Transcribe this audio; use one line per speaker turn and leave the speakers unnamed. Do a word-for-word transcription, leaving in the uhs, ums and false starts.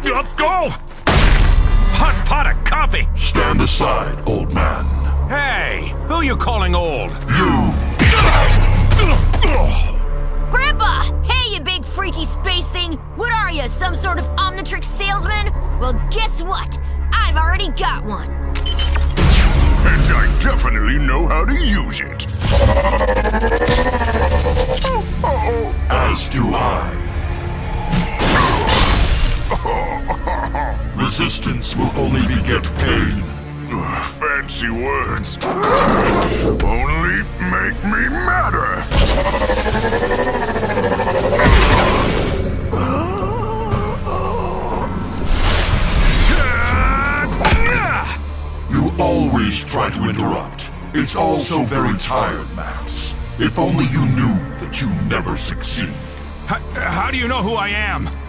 Up go! Hot pot of coffee!
Stand aside, old man.
Hey, who you calling old?
You!
Grandpa! Hey, you big freaky space thing! What are you, some sort of Omnitrix salesman? Well, guess what? I've already got one.
And I definitely know how to use it.
As do I. Resistance will only beget pain.
Ugh, fancy words. Only make me madder.
You always try to interrupt. It's all so very tired, Max. If only you knew that you never succeed.
How, how do you know who I am?